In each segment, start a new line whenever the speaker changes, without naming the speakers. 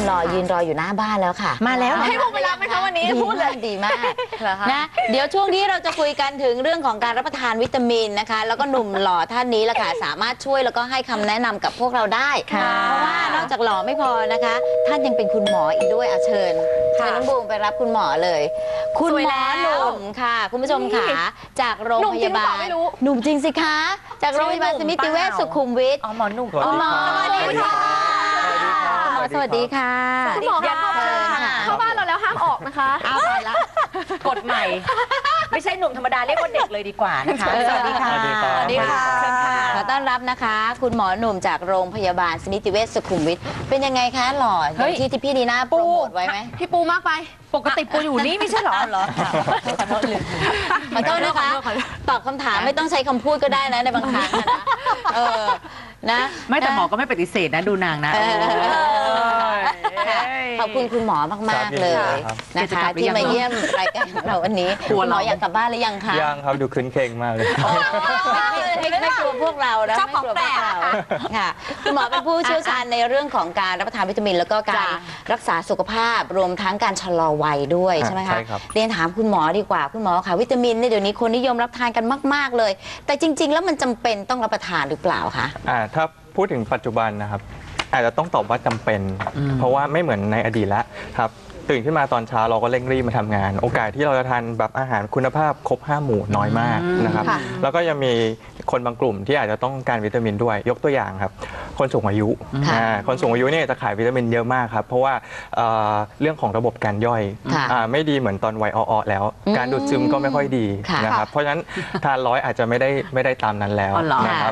หล่อยืนรออยู่หน้าบ้านแล้วค่ะ
มาแล้ว
ให้ผมไปรับไหมคะวันนี้พูดเลย
ดีมากนะเดี๋ยวช่วงนี้เราจะคุยกันถึงเรื่องของการรับประทานวิตามินนะคะแล้วก็หนุ่มหล่อท่านนี้แหละค่ะสามารถช่วยแล้วก็ให้คำแนะนำกับพวกเราได้เพราะว่านอกจากหล่อไม่พอนะคะท่านยังเป็นคุณหมออีกด้วยเชิญน้องบูมไปรับคุณหมอเลยคุณหมอหนุ่มค่ะคุณผู้ชมค่ะจากโรงพยาบาลหนุ่มจริงสิคะจากโรงพยาบาลสมิติเวชสุขุมวิท
หมอหนุ่ม
หมอสวัสดีค่ะสวัสดีค่ะ
คุณหมอเข้าบ้านเราแล้วห้ามออกนะคะ
เอาไปละกฎใหม่ไม่ใช่หนุ่มธรรมดาเรียกว่าเด็กเลยดีกว่านะคะสวัสดีค่ะ
สวัสดีค่ะขอต้อนรับนะคะคุณหมอหนุ่มจากโรงพยาบาลสมิติเวชสุขุมวิทเป็นยังไงคะหล่ออย่างที่พี่ดีน่าโปรโมทไว้ไหม
พี่ปูมากไป
ปกติปูอยู่นี่ไม่ใช่หรอ
ขอโทษนะคะตอบคำถามไม่ต้องใช้คำพูดก็ได้นะในบางครั้งนะ
ไม่แต่หมอก็ไม่ปฏิเสธนะดูนางนะ
ขอบคุณคุณหมอมากๆเลยนะคะที่มาเยี่ยมรายการเราวันนี้คุณหมออยากกลับบ้านหรือยังคะ
ยังครับดูคืนเก่งมากเลย
ไม่กลัวพวกเรานะไม่กลัวพวกเราค่ะคุณหมอเป็นผู้เชี่ยวชาญในเรื่องของการรับประทานวิตามินแล้วก็การรักษาสุขภาพรวมทั้งการชะลอวัยด้วยใช่ไหมคะเรียนถามคุณหมอดีกว่าคุณหมอค่ะวิตามินเนี่ยเดี๋ยวนี้คนนิยมรับทานกันมากๆเลยแต่จริงๆแล้วมันจำเป็นต้องรับประทานหรือเปล่าคะ
ถ้าพูดถึงปัจจุบันนะครับอาจจะต้องตอบว่าจำเป็นเพราะว่าไม่เหมือนในอดีตแล้วครับตื่นขึ้นมาตอนเช้าเราก็เร่งรีบมาทำงานโอกาสที่เราจะทานแบบอาหารคุณภาพครบ5 หมู่น้อยมากนะครับแล้วก็ยังมีคนบางกลุ่มที่อาจจะต้องการวิตามินด้วยยกตัวอย่างครับคนสูงอายุคนสูงอายุเนี่ยจะขายวิตามินเยอะมากครับเพราะว่าเรื่องของระบบการย่อยไม่ดีเหมือนตอนวัยอ่อนแล้วการดูดซึมก็ไม่ค่อยดีนะครับเพราะฉะนั้นทาน100อาจจะไม่ได้ตามนั้นแล้วนะครับ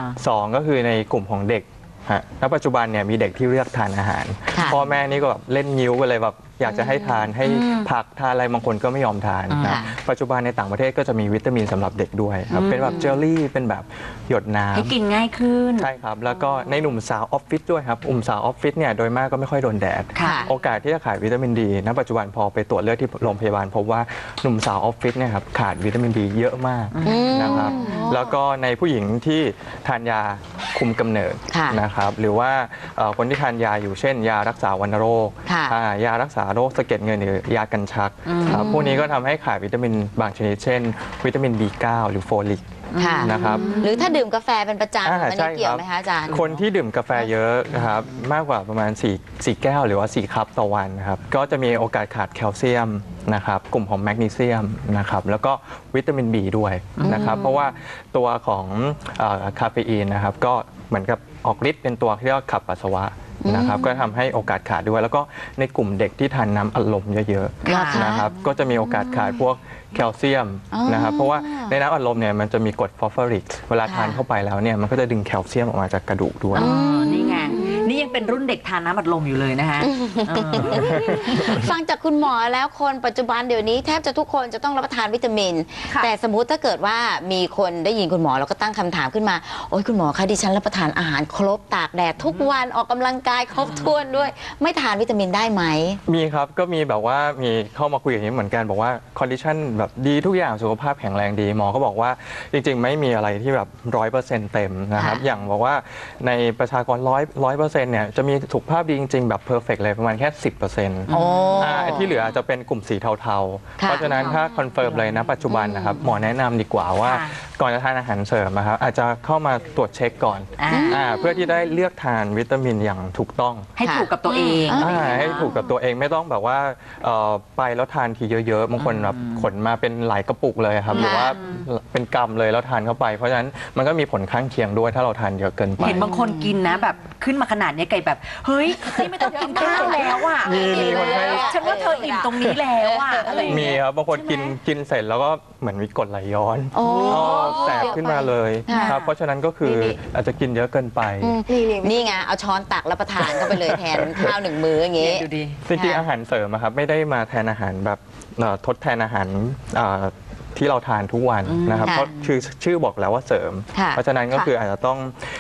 2ก็คือในกลุ่มของเด็กณปัจจุบันเนี่ยมีเด็กที่เลือกทานอาหารพ่อแม่นี่ก็แบบเล่นนิ้วกันเลยแบบอยากจะให้ทานให้ผักทานอะไรบางคนก็ไม่ยอมทานนะปัจจุบันในต่างประเทศก็จะมีวิตามินสำหรับเด็กด้วยครับเป็นแบบเจลลี่เป็นแบบหยดน้ำ
ให้กินง่ายขึ้น
ใช่ครับแล้วก็ในหนุ่มสาวออฟฟิศด้วยครับสาวออฟฟิศเนี่ยโดยมากก็ไม่ค่อยโดนแดดโอกาสที่จะขาดวิตามินดีณปัจจุบันพอไปตรวจเลือดที่โรงพยาบาลพบว่าหนุ่มสาวออฟฟิศเนี่ยครับขาดวิตามินดีเยอะมากนะครับแล้วก็ในผู้หญิงที่ทานยาคุมกำเนิดนะครับหรือว่าคนที่ทานยาอยู่เช่นยารักษาวัณโรคยารักษาโรคสะเก็ดเงินหรือยากันชักพวกนี้ก็ทำให้ขาดวิตามินบางชนิดเช่นวิตามิน B9 หรือโฟลิกนะครับ
หรือถ้าดื่มกาแฟเป็นประจำมันเกี่ยวไหมคะอาจารย์
คนที่ดื่มกาแฟเยอะนะครับมากกว่าประมาณ4แก้วหรือว่า4 คัพต่อวันนะครับก็จะมีโอกาสขาดแคลเซียมนะครับกลุ่มของแมกนีเซียมนะครับแล้วก็วิตามิน B ด้วยนะครับเพราะว่าตัวของคาเฟอีนนะครับก็เหมือนกับออกฤทธิ์เป็นตัวที่เรียกว่าขับปัสสาวะนะครับก็ทำให้โอกาสขาดด้วยแล้วก็ในกลุ่มเด็กที่ทานน้ำอัดลมเยอะๆนะครับก็จะมีโอกาสขาดพวกแคลเซียมนะครับเพราะว่าในน้ำอัดลมเนี่ยมันจะมีกรดฟอสฟอริกเวลาทานเข้าไปแล้วเนี่ยมันก็จะดึงแคลเซียมออกมาจากกระดูกด้วย
นี่ไงนี่ยังเป็นรุ่นเด็กทานน้ำอัดลมอยู่เลยนะคะ
ฟังจากคุณหมอแล้วคนปัจจุบันเดี๋ยวนี้แทบจะทุกคนจะต้องรับประทานวิตามินแต่สมมุติถ้าเกิดว่ามีคนได้ยินคุณหมอแล้วก็ตั้งคำถามขึ้นมาโอ้ยคุณหมอคะดิฉันรับประทานอาหารครบตากแดดทุกวันออกกำลังกายครบถ้วนด้วยไม่ทานวิตามินได้ไหม
มีครับก็มีแบบว่ามีเข้ามาคุยอย่างนี้เหมือนกันบอกว่าคอนดิชันแบบดีทุกอย่างสุขภาพแข็งแรงดีหมอก็บอกว่าจริงๆไม่มีอะไรที่แบบ100%เต็มนะครับอย่างบอกว่าในประชากร100%เนี่ยจะมีสุขภาพดีจริงๆแบบเพอร์เฟกต์เลยประมาณแค่ 10%ที่เหลือจะเป็นกลุ่มสีเทาๆเพราะฉะนั้นถ้าคอนเฟิร์มเลยนะปัจจุบันนะครับหมอแนะนำดีกว่าว่าก่อนจะทานอาหารเสริมนะครับอาจจะเข้ามาตรวจเช็คก่อนเพื่อที่ได้เลือกทานวิตามินอย่างถูกต้อง
ให้ถูกกับตัวเอง
ให้ถูกกับตัวเองไม่ต้องแบบว่าไปแล้วทานทีเยอะๆบางคนแบบขนมาเป็นหลายกระปุกเลยครับหรือว่าเป็นกำเลยแล้วทานเข้าไปเพราะฉะนั้นมันก็มีผลข้างเคียงด้วยถ้าเราทานเยอะเกินไป
เห็นบางคนกินนะแบบขึ้นมาขนาดนี้ไก่แบบเฮ้ยนี่ไม่ต้องกินข้าวแล้วอ่ะ
มีคนให้
ฉันว่าเธออิ่มตรงนี้แล้วอ่ะ
มีครับบางคนกินเสร็จแล้วก็เหมือนมีกรดไหลย้อนแสบขึ้นมาเลยครับเพราะฉะนั้นก็คืออาจจะกินเยอะเกินไป
นี่ไงเอาช้อนตักรับประทานเข้าไปเลยแทนข้าว1 มื้ออย่างงี้
จริงๆอาหารเสริมครับไม่ได้มาแทนอาหารแบบทดแทนอาหารที่เราทานทุกวันนะครับเพราะชื่อบอกแล้วว่าเสริมเพราะฉะนั้นก็คืออาจจะต้อง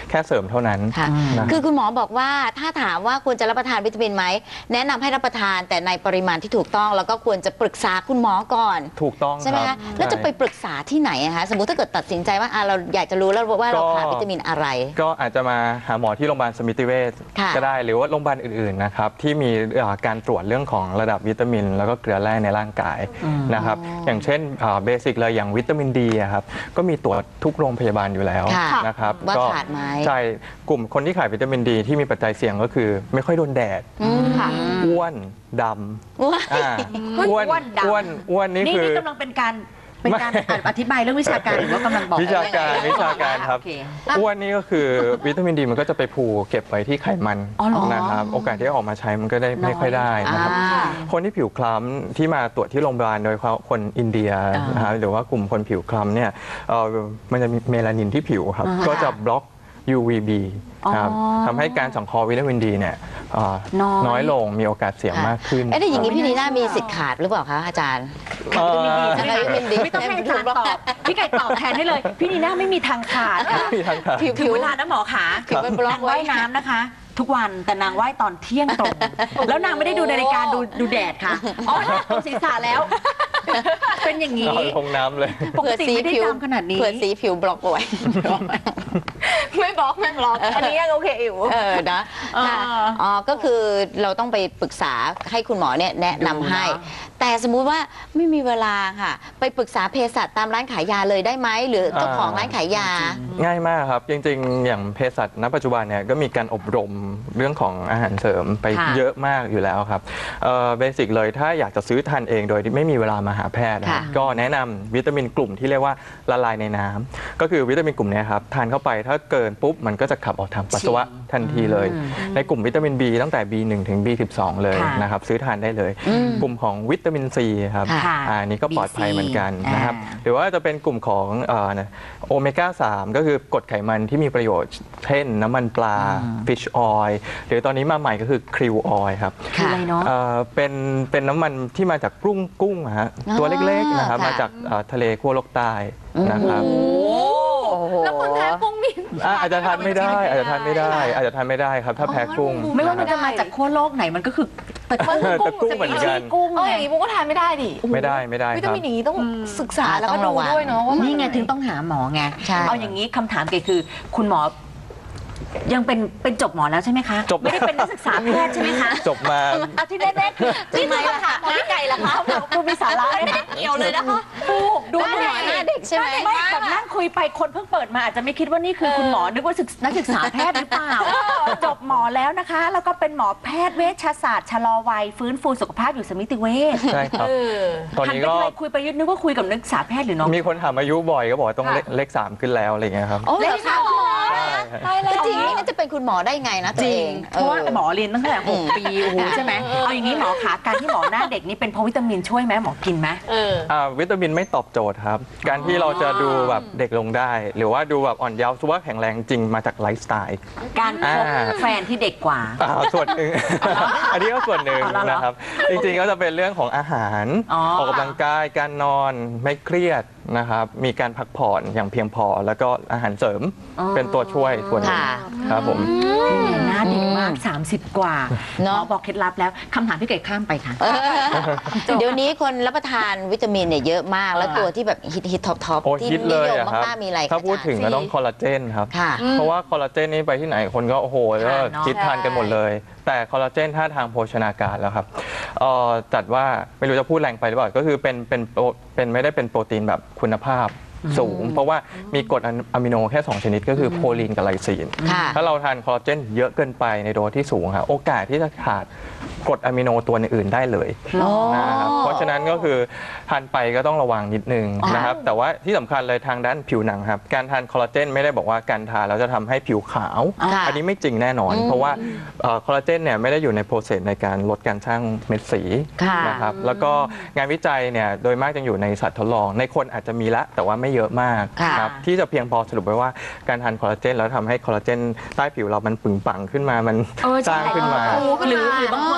แค่เสริมเท่านั้น
ค่ะ
นะ
คือคุณหมอบอกว่าถ้าถามว่าควรจะรับประทานวิตามินไหมแนะนำให้รับประทานแต่ในปริมาณที่ถูกต้องแล้วก็ควรจะปรึกษาคุณหมอก่อน
ถูกต้อง
ใช่ไหม
ครั
คะ
บ
แล้วจะไป
ใช่
ปรึกษาที่ไหนอะคะสมมติถ้าเกิดตัดสินใจว่าเราอยากจะรู้แล้วว่าเราขาดวิตามินอะไร
ก็อาจจะมาหาหมอที่โรงพยาบาลสมิติเวช
ค่ะ
ก็ได้หรือว่าโรงพยาบาลอื่นๆนะครับที่มีการตรวจเรื่องของระดับวิตามิน แล้วก็เกลือแร่ในร่างกายนะครับอย่างเช่นเบสิกเลยอย่างวิตามินดีครับก็มีตรวจทุกโรงพยาบาลอยู่แล้ว
ค่ะ
นะครับ
ว่า
ก็
ขาดไหม
ใช่กลุ่มคนที่ขาดวิตามินดีที่มีปัจจัยเสี่ยงก็คือไม่ค่อยโดนแดด
ค่ะ
อ้วนดำ
ว้าย
อ้วน
อ้วนดำ
อ้วนนี่
นี่
คือ
นี่กำลังเป็นการอธิบายเรื่องวิชาการหรือว่ากำลังบอก
วิชาการครับ
โอเค
อ้วนนี่ก็คือวิตามินดีมันก็จะไปผูกเก็บไว้ที่ไขมัน
อ๋อเหรอ
นะครับโอกาสที่จะออกมาใช้มันก็ได้ไม่ค่อยได้นะครับ
อ่า
คนที่ผิวคล้ำที่มาตรวจที่โรงพยาบาลโดยเฉพาะคนอินเดียนะครับหรือว่ากลุ่มคนผิวคล้ำเนี่ยมันจะมีเมลานินที่ผิวครับก็จะบล็อก UVB ครับทำให้การสังเคราะห์วิตามินดีเนี่ยน้อยลงมีโอกาสเสี่ยงมากขึ้น
เอ๊ะแต่อย่างนี้พี่นีน่ามีสิทธิ์ขาดหรือเปล่าคะอาจารย์
เอ่อ
ใช่ไหมวิตามินดี
ไม่ต้องให้อาจารย์ตอบพี่ไก่ตอบแทนให้เลย พี่นีน่าไม่มีทางขาดค่ะ
มีทางขาด
ถึงเวลานะหมอขา
ผิวเป็นบล็อก
นาง
ไว้
ว่ายน้ำนะคะ ทุกวันแต่นางว่ายตอนเที่ยงตรง แล้วนางไม่ได้ดูนาฬิกาดูแดดค่ะอ๋อตรงศีรษะแล้ว เป็นอย่างนี้
เอาลงน้ำเลย
ปกติไม่ได้จำขนาดนี้
เผื่อสีผิวบล็อกเอาไว้
ไม่บล็อกอันนี้ยังโอเคอยู่
นะค่ะอ๋อก็คือเราต้องไปปรึกษาให้คุณหมอเนี่ยแนะนำให้
ดูเนอะ
แต่สมมุติว่าไม่มีเวลาค่ะ ไปปรึกษาเภสัชตามร้านขายยาเลยได้ไหมหรือเจ้าของร้านขายยา
ง่ายมากครับ จริงๆ อย่างเภสัชณปัจจุบันเนี่ยก็มีการอบรมเรื่องของอาหารเสริมไป
ค่ะ
เยอะมากอยู่แล้วครับเบสิกเลยถ้าอยากจะซื้อทานเองโดยที่ไม่มีเวลามาหาแพทย์นะครับ
ค่ะ
ก็แนะนำวิตามินกลุ่มที่เรียกว่าละลายในน้ำก็คือวิตามินกลุ่มเนี้ยครับทานเข้าไปถ้าเกินปุ๊บมันก็จะขับออกทางปัสสาวะทันทีเลย ในกลุ่มวิตามิน B ตั้งแต่ B1 ถึง B12 เลย
ค่ะ
นะครับซื้อทานได้เลย กลุ่มของวิตามิน C ครับ
ค่ะ
อันนี้ก็ปลอดภัยเหมือนกันนะครับ
อ่า
หรือว่าจะเป็นกลุ่มของโอเมก้า 3 ก็คือกรดไขมันที่มีประโยชน์ เช่นน้ำมันปลา fish oil หรือตอนนี้มาใหม่ก็คือคริวออยครับ
คืออะไรเนาะ
เป็นน้ำมันที่มาจากกุ้งฮะตัวเล็กๆนะครับ
ค่ะ
มาจากทะเลขั้วโลกใต้นะครับ
แล้วคนแพ้กุ้งมี
อาจจะทานไม่ได้อาจจะทานไม่ได้ครับถ้าแพ้กุ้ง
ไม่ว่ามันจะมาจากขั้วโลกไหนมันก็คือตะ
ตะกุ้งเหมือนกัน
กุ้ง
เออ
ไง
อย่างนี้ปุ๊กก็ทานไม่ได้ดิ
ไม่ได้
วิ
ค
ตา
รับ
มินอย่างนี้ต้องศึกษา
อ่า
แล้ว
ต้
ก็
อง
ดู
ระวัง
ด้วยเนาะว่า
นี่
นี่
ไงถึงต้องหาหมอไง
ใช่
เอาอย่างนี้คำถามเกคือ คุณหมอยังเป็นจบหมอแล้วใช่ไหมคะ
จบ
ไม่ได้เป็นนักศึกษาแพทย์ใช่ไหมคะ
จบมา
อาที่แน่ๆคือนี่คือคำถามของพี่ไก่เหรอคะดูมีสาระไม่ได้เกี่ยวเลยนะคะดู
หน้า
ห
เด็
น่
ก
อย
หน้าเด็กใช่ไหม
ไม่แบบนั่งคุยไปคนเพิ่งเปิดมาอาจจะไม่คิดว่านี่คือคุณหมอนึกว่านักศึกษาแพทย์หรือเปล่าจบหมอแล้วนะคะ แล้วก็เป็นหมอแพทย์เวชศาสตร์ชะลอวัยฟื้นฟูสุขภาพอยู่สมิติเวช
ใช่ครับ ตอน
หัน
นี้
ไป
ก็
ทีไรคุยไปนึกว่าคุยกับนักศึกษาแพทย์หรือน้อง
มีคนถามอายุบ่อยก็บอกว่าต้องเลข 3 ขึ้นแล้วอะไรอย่างเงี้ยครับ
โอ้เหรอคะหมอ
ตายแล้ว
จริงๆนี่จะเป็นคุณหมอได้ไงนะตัว
จริ
เอง ง
เพราะว่าหมอเรียนตั้งแต่6 ปีโอ้โหใช่ไหมเอาอย่างนี้หมอขาการที่หมอหน้าเด็กนี่เป็นเพราะวิตามินช่วยไหมหมอกินไหม
วิตามินไม่ตอบโจทย์ครับ การที่เราจะดูแบบเด็กลงได้ หรือว่าดูแบบอ่อนเยาว์สุขภาพแข็งแรงจริงมาจากไลฟ์สไตล์
การคบแฟนที่เด็กกว่า
ส่วนหนึ่ง อันนี้ก็ส่วนหนึ่ง
อ๋อเหรอ
นะครับ จริงๆก็จะเป็นเรื่องของอาหาร
อ๋อ
ออกกำลังกายการนอนไม่เครียดนะครับ มีการพักผ่อนอย่างเพียงพอ แล้วก็อาหารเสริมเป็นตัวช่วยส่วนหนึ่ง
ค่ะ
ครับผม
หน้าเด็กมาก 30 กว่าห
เน
ม
อะ
อบอกเคล็ดลับแล้วคำถามพี่ไก่ข้ามไปค่ะ
เดี๋ยวนี้คนรับประทานวิตามินเนี่ยเยอะมาก แล้วตัวที่แบบฮิตท็อป
โอ้
ที่
ฮิต
นิ
เลย
ยม
อะครับ
มากๆมีอะไรคะ
ถ้าพูดถึง
อจ
ก็
รย์
ต้องคอลลาเจนครับ
ค่ะ
เพราะว่าคอลลาเจนนี่ไปที่ไหนคนก็โอ้โหก็
ค่ะเนอะ
คิดทานกันหมดเลย แต่คอลลาเจนถ้าทางโภชนาการแล้วครับจัดว่าไม่รู้จะพูดแรงไปหรือเปล่าก็คือเป็นไม่ได้เป็นโปรตีนแบบคุณภาพสูง เพราะว่ามีกรดอะมิโนแค่ 2 ชนิดก็คือโพลีนกับไลซีน
ค่ะ
ถ้าเราทานคอลลาเจนเยอะเกินไปในโดสที่สูงครับโอกาสที่จะขาดกรดอะมิโนตัวอื่นๆได้เลย
อ๋อ
นะครับเพราะฉะนั้นก็คือทานไปก็ต้องระวังนิดนึงนะครับแต่ว่าที่สำคัญเลยทางด้านผิวหนังครับการทานคอลลาเจนไม่ได้บอกว่าการทานแล้วจะทำให้ผิวขาว
ค่ะ
อันนี้ไม่จริงแน่นอน เพราะว่าคอลลาเจนเนี่ยไม่ได้อยู่ในโปรเซสในการลดการสร้างเม็ดสี
ค่ะ
นะครับแล้วก็งานวิจัยเนี่ยโดยมากจะอยู่ในสัตว์ทดลอง ในคนอาจจะมีละแต่ว่าไม่เยอะมาก
ค่ะ
ครับที่จะเพียงพอสรุปไว้ว่าการทานคอลลาเจนแล้วทำให้คอลลาเจนใต้ผิวเรามันปึงปังขึ้นมามันสร้างขึ้นมา
หรือบางคนทานคอลลาเจน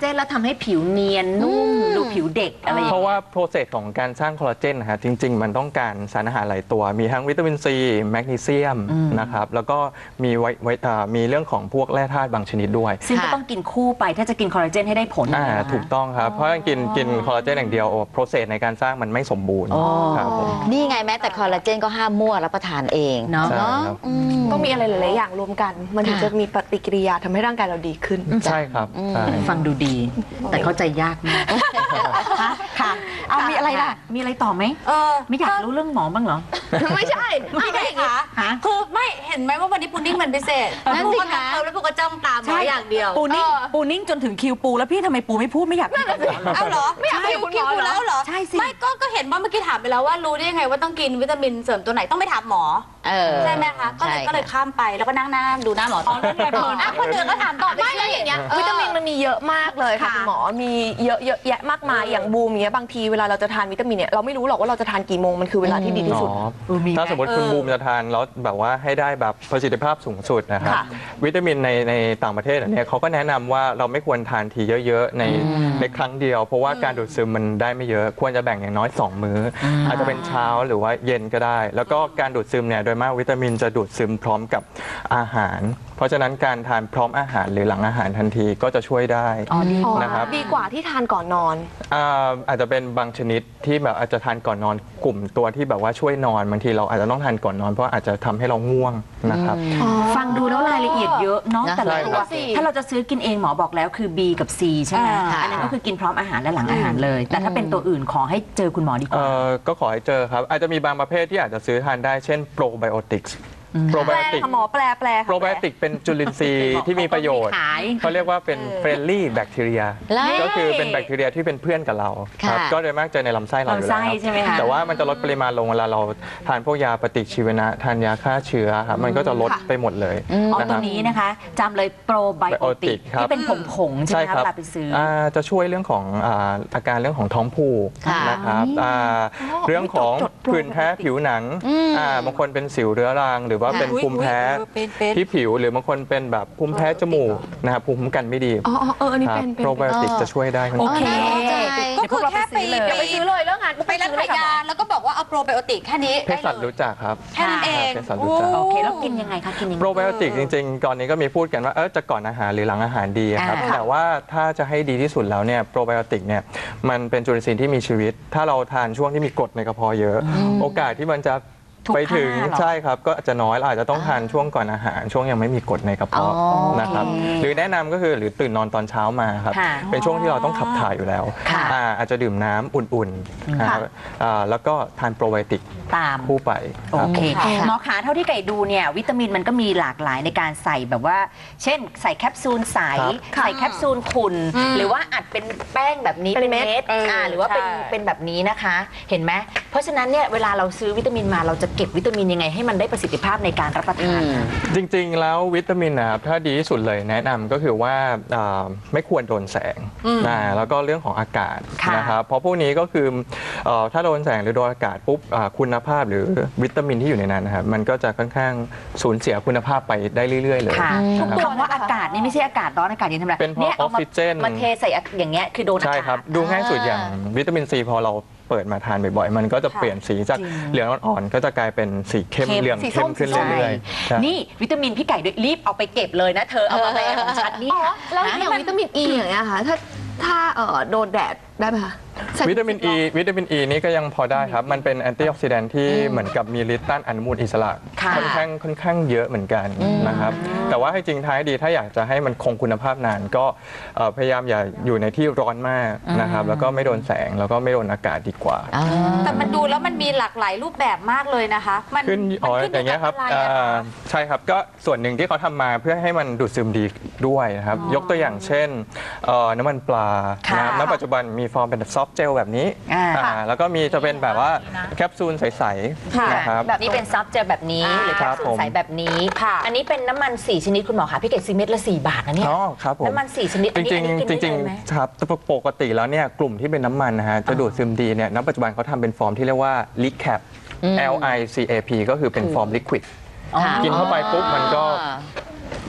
เจนแล้วทำให้ผิวเนียนนุ่มดูผิวเด็กอะไรอย่าง
เพ
เงี้ย
ราะว่าโปรเซสของการสร้างคอลลาเจนนะฮะจริง ๆ มันต้องการสารอาหารหลายตัว มีทั้งวิตามินซีแมกนีเซียมนะครับแล้วก็มีเรื่องของพวกแร่ธาตุบางชนิดด้วย
ซึ่งก็ต้องกินคู่ไปถ้าจะกินคอลลาเจนให้ได้ผล
ถูกต้องครับ เพราะกินคอลลาเจนอย่างเดียวโปรเซสในการสร้างมันไม่สมบูรณ์ครับผม
นี่ไงแม้แต่คอลลาเจนก็ห้ามมั่วรับประทานเอง
เนาะ
ใช่ครับ
ต้องมีอะไรหลายๆอย่างรวมกัน มันถึงจะมีปฏิกิริยาทำให้ร่างกายเราดีขึ้น
ใช่ครับใช่
ฟังดูดี แต่เข้าใจยากมากค่ะ เอามีอะไรล่ะ มีอะไรต่อไหมไม่อยากรู้เรื่องหมอบ้างเหรอ
ไม่ใช่
พี่ไก่คะ
ฮะ
คือไม่เห็นไหมว่าวันนี้พุดดิ้งมันพิเศษ
นั่นสิคะ
ปูก็แล้วปูก็จ้องตามหมออย่างเดียว
ปูนิ่งจนถึงคิวปูแล้วพี่ทำไมปูไม่พูดไม่อยากพูดกับหมอเหรอ
เอาเหรอไม่อยากให้คุณหมอแล้วเหรอ
ใช่สิ
ไม่ก็เห็นว่าเมื่อกี้ถามไปแล้วว่ารู้ได้ยังไงว่าต้องกินวิตามินเสริมตัวไหนต้องไปถามหมอ ใช่ไหมคะก็เลยข้ามไปแล้วก็นั่งหน้าดูหน้าหมอต่อ
นั่นไงเพลิน
อ่ะคนอื่นก็ถามต่อ
ไม่แล้วอย่างเงี้ยวิตามินมันมีเยอะมากเลยค่ะคุณหมอมีเยอะแยะมากมายอย่างบูมเงี้ยบางทีเวลาเราจะทานวิตามินเนี่ยเราไม่รู้หรอกว่าเราจะทานกี่โมงมันคือเวลาที่ดีที่สุด
ถ้าสมมติคุณบูมจะทานแล้วแบบว่าให้ได้แบบประสิทธิภาพสูงสุดนะครับ
ค่ะ
วิตามินในต่างประเทศเนี่ยเขาก็แนะนำว่าเราไม่ควรทานทีเยอะๆในครั้งเดียว เพราะว่าการดูดซึมมันได้ไม่เยอะควรจะแบ่งอย่างน้อย 2 มื้ออาจจะเป็นเช้าหรือว่าเย็นก็ได้ แล้วก็การดูดซึมเนี่ยโดยมากวิตามินจะดูดซึมพร้อมกับอาหาร เพราะฉะนั้นการทานพร้อมอาหารหรือหลังอาหารทันทีก็จะช่วยได้นะครับ
ดีกว่าที่ทานก่อนนอน
อาจจะเป็นบางชนิดที่แบบอาจจะทานก่อนนอนกลุ่มตัวที่แบบว่าช่วยนอนบางทีเราอาจจะต้องทานก่อนนอนเพราะอาจจะทำให้เราง่วงนะครับ
ฟังดูแล้วรายละเอียดเยอะเนาะแต่ละตัว
ใช่ครับ
ถ้าเราจะซื้อกินเองหมอบอกแล้วคือ B กับ C ใช่ไหม
ค่ะ
อันนั้นก็คือกินพร้อมอาหารและหลังอาหารเลย แต่ถ้าเป็นตัวอื่นขอให้เจอคุณหมอดีกว่า
ก็ขอให้เจอครับ อาจจะมีบางประเภทที่อาจจะซื้อทานได้เช่นโปรไบโอติกส์โปรไบ
แปล
โอติก
ค่ะหมอแปลค่ะ
โปรไบโอติกเป็นจุลินทรีย์ที่มีประโยชน์
ขาย
เขาเรียกว่าเป็นเฟรนลี่แบคทีเรีย
แล้ว
ก็คือเป็นแบคทีเรียที่เป็นเพื่อนกับเราครับ
ค่ะ
ก็โดยมากเจอในลำไส้เราอยู่
ลำไส้
แล้ว
ใช่ไหมคะ
แต่ว่ามันจะลดปริมาณลงเวลาเราทานพวกยาปฏิชีวนะทานยาฆ่าเชื้อครับมันก็จะลดไปหมดเลย
อ๋อ
นะค
ตั
รั
ว
บ
นี้นะคะจำเลยโปรไบโอติก
ครับ
ที่เป็นผงๆใช่ไหมคะเวลาไปซื้อ
จะช่วยเรื่องของอาการเรื่องของท้องผูก
ค่ะ
นะครับเรื่องของผื่นแพ้ผิวหนังบางคนเป็นสิวเรื้อรังหรือว่าเป็นภูมิแพ้ที่ผิวหรือบางคนเป็นแบบภูมิแพ้จมูกนะครับภูมิคุ้มกันไม่ดี
อันนี้
ครับ
เป็น
โปรไบโอติกจะช่วยได้ครับ
โอเค
ก็คือแค่ไป
เดี๋ยวไปซื้อเลยเรื่องงาน
ไปร้านขายยาแล้วก็บอกว่าเอาโปรไบโอติกแค่นี้
เภสัชรู้จักครับ
แค่นั้นเอง
เภสัชรู้จัก
โอเคแล้วกินยังไงคะกินยังไง
โปรไบโอติกจริงๆ ก่อนนี้ก็มีพูดกันว่าจะก่อนอาหารหรือหลังอาหารดีครับ
ค่ะ
แต่ว่าถ้าจะให้ดีที่สุดแล้วเนี่ยโปรไบโอติกเนี่ยมันเป็นจุลินทรีย์ที่มีชีวิต ถ้าเราทานช่วงที่มีกรดในกระเพาะเยอะ โอกาสที่มันจะไปถึง
ถูกฆ่าเหรอ
ใช่ครับก็อาจจะน้อยเราอาจจะต้องทานช่วงก่อนอาหาร ช่วงยังไม่มีกรดในกระเพาะ
อ๋อ
นะครับหรือแนะนำก็คือหรือตื่นนอนตอนเช้ามาครับ
ค่ะ
เป็นช่วงที่เราต้องขับถ่ายอยู่แล้ว
ค่ะ
อาจจะดื่มน้ำอุ่นๆนะครับแล้วก็ทานโปรไบโอติก
ตาม
คู่ไป
โอ
ครับ
เค
ผม
หมอขาเท่าที่ไก่ดูเนี่ยวิตามินมันก็มีหลากหลายในการใส่แบบว่า เช่นใส่แคปซูลใส
ครับ
ใส่แคปซูลขุ่นหรือว่าอัดเป็นแป้งแบบนี้
เป็นเม็ด
หรือว่าเป็นแบบนี้นะคะ เห็นไหมเพราะฉะนั้นเนี่ยเวลาเราซื้อวิตามินมาเราจะเก็บวิตามินยังไงให้มันได้ประสิทธิภาพในการรับประทาน
จริงๆ แล้ววิตามินนะครับถ้าดีที่สุดเลยแนะนำก็คือว่าไม่ควรโดนแสงแล้วก็เรื่องของอากาศ
ค่ะ
นะครับเพราะพวกนี้ก็คือถ้าโดนแสงหรือโดนอากาศปุ๊บคุณภาพหรือวิตามินที่อยู่ในนั้นนะครับมันก็จะค่อนข้างสูญเสียคุณภาพไปได้เรื่อยๆเลย
ค่ะ
นะ
ทุก
ครับ
คำว่าอากาศนี่ไม่ใช่อากาศร้อนอากาศเย็นธรรมดา
เป็นเพราะ
ย
ออกซิเจน
มาเทใส่อย่างเงี้ยคือโดนอากาศ
ใช่ครับดูง่ายสุดอย่างวิตามินซีพอเราเปิดมาทานบ่อยๆ มันก็จะเปลี่ยนสีจาก
จริง
เหลืองอ่อนๆก็จะกลายเป็นสีเข้มเหลืองเข้มขึ้นเรื่อยๆใช่
นี่วิตามินพี่ไก่ด้วยรีบเอาไปเก็บเลยนะเธอเอามาแบนของฉันนี่
แล้วอย่างวิตามินอีอย่างเงี้ยค่ะถ้าโดนแดดได้ไหมคะใส่
วิตามินอ e นี่ก็ยังพอได้ครับ มันเป็นแอนตี้ออกซิแดนท์ที่เหมือนกับมีฤทธิ์ต้านอนุมูลอิสระ
ค่ะ
ค่อนข้างเยอะเหมือนกันนะครับ แต่ว่าให้จริงท้ายดีถ้าอยากจะให้มันคงคุณภาพนานก็พยายามอย่าอยู่ในที่ร้อนมากนะครับ แล้วก็ไม่โดนแสงแล้วก็ไม่โดนอากาศดีกว่า
แต่มันดูแล้วมันมีหลากหลายรูปแบบมากเลยนะคะ มัน
ขึ้นอย่างเงี้ยครับ
อะไรอะคะ
ใช่ครับก็ส่วนหนึ่งที่เขาทำมาเพื่อให้มันดูดซึมดีด้วยนะครับ ยกตัวอย่างเช่นน้ำมันปลา
ค่ะ
ณปัจจุบันมีฟอร์มเป็นซอฟต์เจลแบบนี้ แล้วก็มีจะเป็นแบบว่าแคปซูลใสๆนะครับ
แบบนี้เป็นซับเจลแบบนี้หรือแค
ครั
ป
บ
ซูลใสแบบนี้
ค่ะ
อันนี้เป็นน้ำมัน4ชนิดคุณหมอคะพี่เกดซื้อเม็ดละ4 บาทนะเนี่ย
อ๋อครับผม
น้ำมัน4ชนิด
จริง
อันนี้กิน
ๆจริง
ได้เลยไหม
ๆครับปกติแล้วเนี่ยกลุ่มที่เป็นน้ำมันนะฮะจะดูดซึมดีเนี่ยณปัจจุบันเขาทำเป็นฟอร์มที่เรียกว่า LICAP LICAP ก็คือเป็นฟอร์มลิควิด กินเข้าไปปุ๊บมันก็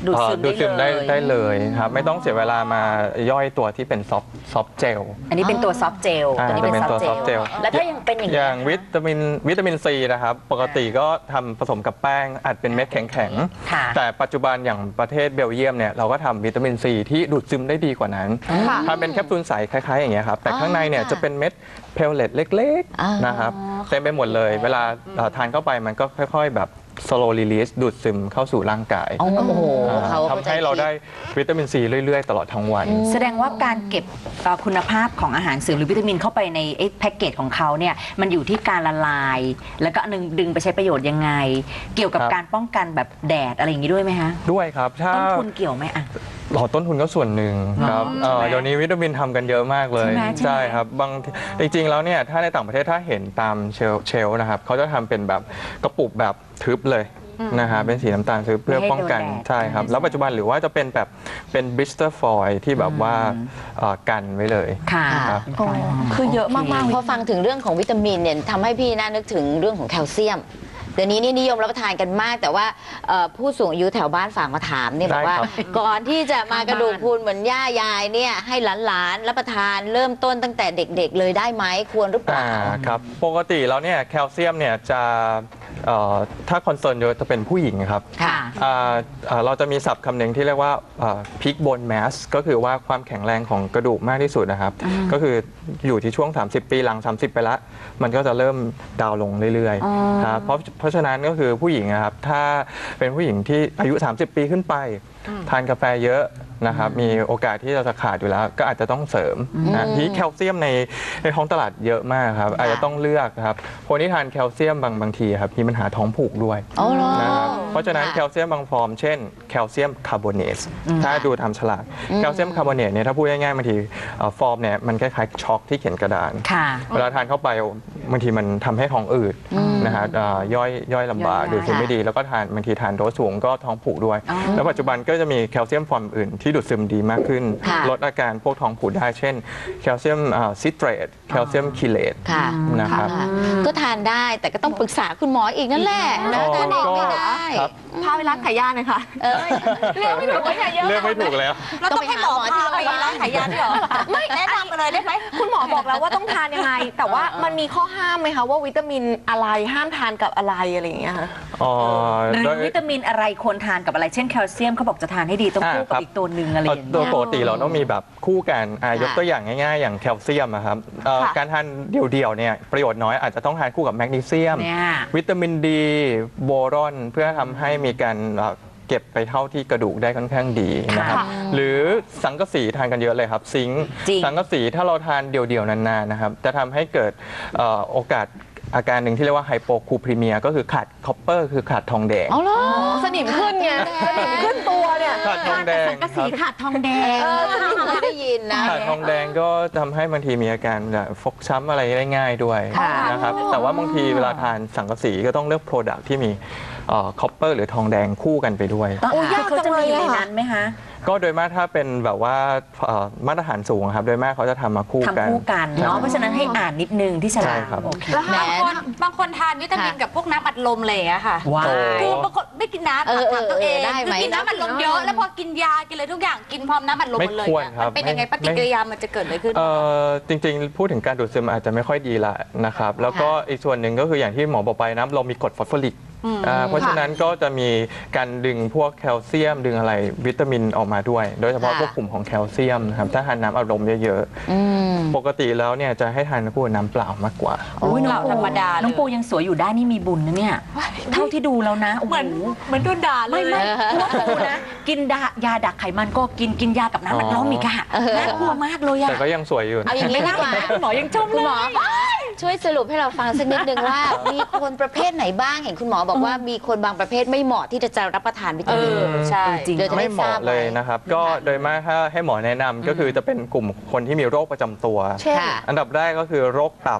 ดูดซึม
ดูดซึม
ได้
ได้
เลย
เลยครับไม่ต้องเสียเวลามาย่อยตัวที่เป็นซอฟต์เจล
อันนี้เป็นตัวซอฟต์เจล
อ่า
ตัวนี้เป็น
จะเป็น
ซอฟ
ตัว
ต์เจล
soft gel
แล้วถ้ายังเป็นอย่าง
อ
นี้
ย่างวิตามินซีนะครับปกติก็ทำผสมกับแป้งอัดเป็นเม็ดแข็ง
ค่ะ
ๆแต่ปัจจุบันอย่างประเทศเบลเยียมเนี่ยเราก็ทำวิตามินซีที่ดูดซึมได้ดีกว่านั้นทำเป็นแคปซูลใสคล้ายๆอย่างเงี้ยครับแต่ข้างในเนี่ยจะเป็นเม็ดเพลเลตเล็กๆนะครับเต็มไปหมดเลยเวลาทานเข้าไปมันก็ค่อยๆแบบ slow release ดูดซึมเข้าสู่ร่างกาย
โอ้โหเขา
ทำให้เราได้วิตามินซีเรื่อยๆ ตลอดทั้งวัน
แสดงว่าการเก็บคุณภาพของอาหารเสริมหรือวิตามินเข้าไปในแพ็กเกจของเขาเนี่ยมันอยู่ที่การละลาย แล้วก็ดึงไปใช้ประโยชน์ยังไง เกี่ยวกับ
ครับ
การป้องกันแบบแดดอะไรอย่างนี้ด้วยไหมคะ
ด้วยครับถ้า
ต้นทุนเกี่ยวไหมอ่ะ
ต้นทุนก็ส่วนหนึ่งครับ
ใช่ไหม
เดี๋ยวนี้วิตามินทำกันเยอะมากเลย
ใช่ไหม
ใช่ครับจริงๆแล้วเนี่ยถ้าในต่างประเทศถ้าเห็นตามเชลฟ์นะครับเขาจะทำเป็นแบบกระปุกแบบทึบเลยนะฮะเป็นสีน้ำตาลทึบเพื่อป้องกันใช่ครับแล้วปัจจุบันหรือว่าจะเป็นแบบเป็นบลิสเตอร์ฟอยล์ที่แบบว่ากันไว้เลย
ค่ะ
ครับ
คือเยอะมากๆ
พอฟังถึงเรื่องของวิตามินเนี่ยทำให้พี่น่านึกถึงเรื่องของแคลเซียมเดี๋ยวนี้นี่นิยมรับประทานกันมาก แต่ว่าผู้สูงอายุแถวบ้านฝากมาถามเนี่ยบอกว่า
ได้ครับ
ก่อนที่จะมากระดูกพรุนเหมือนย่ายายเนี่ยให้หลานๆรับประทานเริ่มต้นตั้งแต่เด็กๆเลยได้ไหมควรหรือเปล่า
ครับปกติแล้วเนี่ยแคลเซียมเนี่ยจะถ้าคอนเซิร์นเยอะจะเป็นผู้หญิงครับ
ค่ะ
เราจะมีศัพท์คำหนึ่งที่เรียกว่า peak bone mass ก็คือว่าความแข็งแรงของกระดูกมากที่สุดนะครับ ก็คืออยู่ที่ช่วง 30 ปีหลัง 30 ไปละมันก็จะเริ่มดาวน์ลงเรื่อยๆครับเพราะฉะนั้นก็คือผู้หญิงนะครับถ้าเป็นผู้หญิงที่อายุ 30 ปีขึ้นไป ทานกาแฟเยอะนะครับมีโอกาสที่เราจะขาดอยู่แล้ว ก็อาจจะต้องเสริมนะที่แคลเซียมในท้องตลาดเยอะมากครับอาจจะต้องเลือกครับคนที่ทานแคลเซียมบางทีครับมีปัญหาท้องผูกด้วย
อ๋อเหรอ
นะครับเพราะฉะนั้น
ค่ะ
แคลเซียมบางฟอร์มเช่นแคลเซียมคาร์บอเนตถ้าดูตามฉลากแคลเซียมคาร์บอเนตเนี่ยถ้าพูดง่ายๆบางทีฟอร์มเนี่ยมันคล้ายๆช็อกที่เขียนกระดาน
ค่ะ
เวลาทานเข้าไปบางทีมันทำให้ท้องอืดนะฮะย่อยลำบาก
ย่อย
ดูดซึมไม่ดีแล้วก็บางทีทานโดสสูงก็ท้องผูกด้วย แล้วปัจจุบันก็จะมีแคลเซียมฟอร์มอื่นที่ดูดซึมดีมากขึ้น
ค่ะ
ลดอาการพวกท้องผูกได้เช่นแคลเซียมซิตรตแคลเซียมคิเลต
ค่ะ
นะครับ
ค่ะก็ทานได้แต่ก็ต้องปรึกษาคุณหมออีกนั่นแหละนะ
อ๋อ
ทานเองไม่ได้
ครับ
พาไปร้านขายยาหน่อยค่ะ
เออ
เรียกไม่ถูกว่าอย่าเยอะ
เลือกไม่ถูกแล้ว
เราต้องให้หมอพาไปร้านขายยาด้วยเหรอไม่แนะนำไปเลยได้ไหม
คุณหมอบอกแล้วว่าต้องทานยังไง แต่ว่ามันมีข้อห้ามไหมคะว่าวิตามินอะไรห้ามทานกับอะไรอะไรอย่างเงี้ยค่ะ
หรือวิตามินอะไรควรทานกับอะไรเช่นแคลเซียมเขาบอกจะทานให้ดีต้องคู่กับอีกตัวหนึ่งอะไรอย่าง
โด
เงี้
ย
ย
ปกติเราต้องมีแบบคู่กันยกตัวอย่างง่ายๆ อย่างแคลเซียมอะครับการทานเดี่ยวๆเนี่ยประโยชน์น้อยอาจจะต้องทานคู่กับแมกนีเซียม
เนี่ย
วิตามินดีโบรอนเพื่อทำให้มีการเก็บไปเท่าที่กระดูกได้ค่อนข้างดีนะครับ
ค่ะ
หรือสังกะสีทานกันเยอะเลยครับซิงค์
จริง
สังกะสีถ้าเราทานเดี่ยวๆนานๆนะครับจะทำให้เกิดโอกาสอาการหนึ่งที่เรียกว่าไฮโปคูพรีเมียก็คือขาดคอปเปอร์คือขาดทองแดง
เอาเหรอ
สนิมขึ้นไงสนิมขึ้นตัวเนี่ย
ขาดทองแดง
สังกะสีขาดทองแดง
ไม่ได้ยินนะ
ขาดทองแดงก็ทำให้บางทีมีอาการแบบฟกช้ำอะไรได้ง่ายด้วย
ค่ะ
นะครับแต่ว่าบางทีเวลาทานสังกะสีก็ต้องเลือกโปรดักที่มีคอปเปอร์หรือทองแดงคู่กันไปด้วย
ต้อง
โอ้ยาก
เขา
จั
จะ
งเล
มี
ย
อยู่ใน
อะ
นั้นไหมคะ
ก็โดยมากถ้าเป็นแบบว่ามาตรฐานสูงครับโดยมากเขาจะทำมาคู่กัน
ทำคู่กันเนาะเพราะฉะนั้นให้อ่านนิดนึงที่ฉลาก
ใช่ครับ
โอเค
แล้ว
แหม
บางคนทานวิตามินกับพวกน้ำอัดลมเลยอะค่ะ
ว้าว
คือบางคนไม่กินน้ำ
เออ
ถามตัวเอง
ได้ไหม
คือกินน้ำอัดลมเยอะแล้วพอกินยากินอะไรทุกอย่างกินพร้อมน้ำอัดลมหมดเลย
ไม่ควร
เนี่ย
ครับ
มันเป็นยังไง
ไม่
ปฏิกิริยามันจะเกิดอะไรขึ้น
จริงๆ พูดถึงการดูดซึมอาจจะไม่ค่อยดีละนะครับ แล้วก็อีกส่วนหนึ่งก็คืออย่างที่หมอบอกไปนะเรามีกรดฟอสฟอริกเพราะฉะนั้นก็จะมีการดึงพวกแคลเซียมดึงอะไรวิตามินออกมาด้วย โดยเฉพาะ
ค่ะ
พวกกลุ่มของแคลเซียมนะครับถ้าทานน้ำอัดลมเยอะ
อืม
ๆ ปกติแล้วเนี่ยจะให้ทานคู่กับน้ำเปล่ามากกว่า
โอ้ยน้อง
เราธรรมดาเลย
น้องปูยังสวยอยู่ได้นี่มีบุญนะเนี่ย เท่าที่ดูแล้วนะโอ้โห
เหมือนโดนด่าเลย
ไม่เพราะว่าปูนะ กินยาดักไขมันก็กินยากับน้ำมันล้อมอีกอะน่ากลัวมากเลยอะ
แต่ก็ยังสวยอยู่
เอาอย่างนี้ดีกว่า
คุณหมอยังชม
คุ
เล
ณหมอ
ย
ช่วยสรุปให้เราฟังสักนิดนึงว่า มีคนประเภทไหนบ้างเห็นคุณหมอบอกว่ามีคนบางประเภทไม่เหมาะที่จะรับประทานวิตามิน
ใช่
จริง
เดี๋ยวจะ
ไม่
ได้
เห
ทรา
มาะ
บ
เลย
ไว้
นะครับ ก็โดยมากถ้าให้หมอแนะนำก็คือจะเป็นกลุ่มคนที่มีโรคประจำตัว
ค่ะ
อันดับแรกก็คือโรคตับ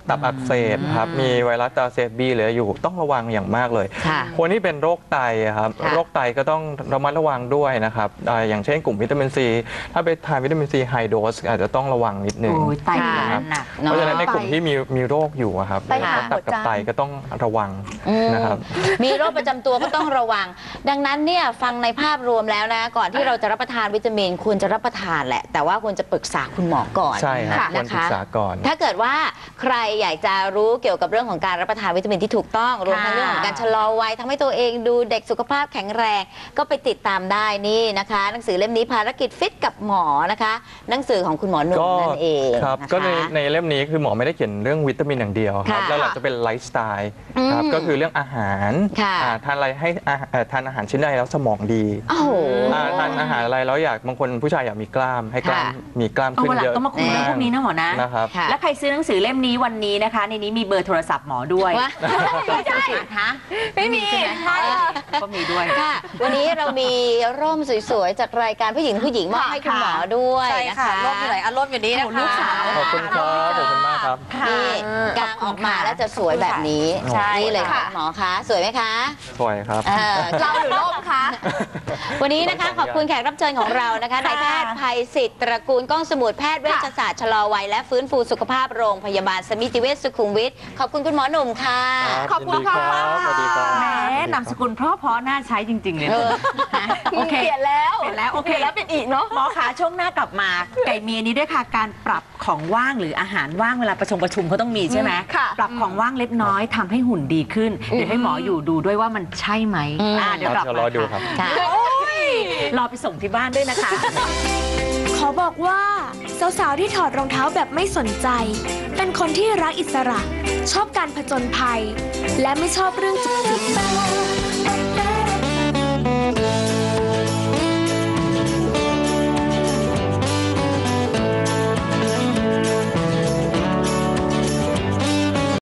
ตับอักเสบครับมีไวรัสตาเซบีเหลืออยู่ต้องระวังอย่างมากเลย
ค่ะ
คนที่เป็นโรคไตอะครับ
ค่ะ
โรคไตก็ต้องระมัดระวังด้วยนะครับอย่างเช่นกลุ่มวิตามินซีถ้าไปทานวิตามินซีไฮโดสอาจจะต้องระวังนิดนึง
โอ้ยไต
ค่ะ
หนัก
เพราะฉะนั้นในกลุ่มที่มีโรคอยู่อะครับ
ไตหา
ตับกับ
หัวใจ
ไตก็ต้องระวังนะครับ
มีโรคประจำตัวก็ต้องระวัง ดังนั้นเนี่ยฟังในภาพรวมแล้วนะ ก่อนที่เราจะรับประทานวิตามินควรจะรับประทานแหละ แต่ว่าควรจะปรึกษาคุณหมอก่อน
ใช่ครับควร
นะ
ศึก
คะ
ษาก่อน
ถ้าเกิดว่าใครอยากจะรู้เกี่ยวกับเรื่องของการรับประทานวิตามินที่ถูกต้องรวมทั้งเรื่องของการชะลอวัยทำให้ตัวเองดูเด็กสุขภาพแข็งแรง ก็ไปติดตามได้นี่นะคะ หนังสือเล่มนี้ภารกิจฟิตกับหมอนะคะ หนังสือของคุณหมอหนุ่ม
ก็
นั่นเอง
ครับ
นะคะ
ก็ในเล่มนี้คือหมอไม่ได้เขียนเรื่องวิตามินอย่างเดียวครับ
ค่ะ
แล้วเราจะเป็นไลฟ์สไตล์ครับก็คือเรื่องอาหาร
ค่ะ
ทานอะไรให้ทานอาหารชิ้นใดแล้วสมองดี
โอ้โห
ทานอาหารอะไรแล้วบางคนผู้ชายอยากมีกล้ามให้กล้าม
ค่ะ
มีกล้าม
เอา
ขึ้น
วันหลั
เย
ง
อะ
ต้องมาคุยเรื่องพวกนี้นะหมอนะ
นะครับ
ค่ะ
แล้วใครซื้อหนังสือเล่มนี้วันนี้นะคะ ในนี้มีเบอร์โทรศัพท์หมอด้วย
ว่า
ไม่ใช่ฮะ
ไม่มี
ใช่ก็มีด้วย
ค่ะ วันนี้เรามีร่มสวยๆจากรายการผู้หญิงมอบให้คุณหมอด้วย
ใช่
นะ
ค่ะ
คะ
ร่มอยู่ไหนอ่ะร่มอยู่นี่นะคะ
ลูกสาว
ขอบคุณครับขอบคุณมากครับ
นี่กางออกมาแล้วจะสวยแบบนี้
ใช่
นี่เลย
ค่ะ
ค่ะหมอคะสวยไหมคะ
สวยครับ
เราหรือล่มคะ
วันนี้นะคะขอบคุณแขกรับเชิญของเรานะคะนายแพทย์ภัยศิษฐ์ตระกูลก้องสมุทรแพทย์เวชศาสตร์ชะลอวัยและฟื้นฟูสุขภาพโรงพยาบาลสมิติเวชสุขุมวิทขอบคุณคุณหมอหนุ่มค่ะ
ขอบคุณค่ะ
สวัสดีครับ
แหมนามสกุลเพราะน่าใช้จริง ๆ เลยนะโอเค
เปลี่ยนแล้ว
เปลี่ยนแล้วโอเค
แล้วเป็นอีกเนาะ
หมอคะช่วงหน้ากลับมาไก่เมียนี้ด้วยค่ะการปรับของว่างหรืออาหารว่างเวลาประชุมเขาต้องมีใช่ไหม
ค่ะ
ปรับของว่างเล็กน้อยทำให้หุ่นดีขึ้น เดี๋ยวให้หมออยู่ดูด้วยว่ามันใช่ไหมเดี๋ยวกลับ
เดี๋ยว
มาร
อดูครับ
ค่ะ
รอไปส่งที่บ้านด้วยนะคะ
ขอบอกว่าสาวๆที่ถอดรองเท้าแบบไม่สนใจ เป็นคนที่รักอิสระ ชอบการผจญภัย และไม่ชอบเรื่องจุกจิก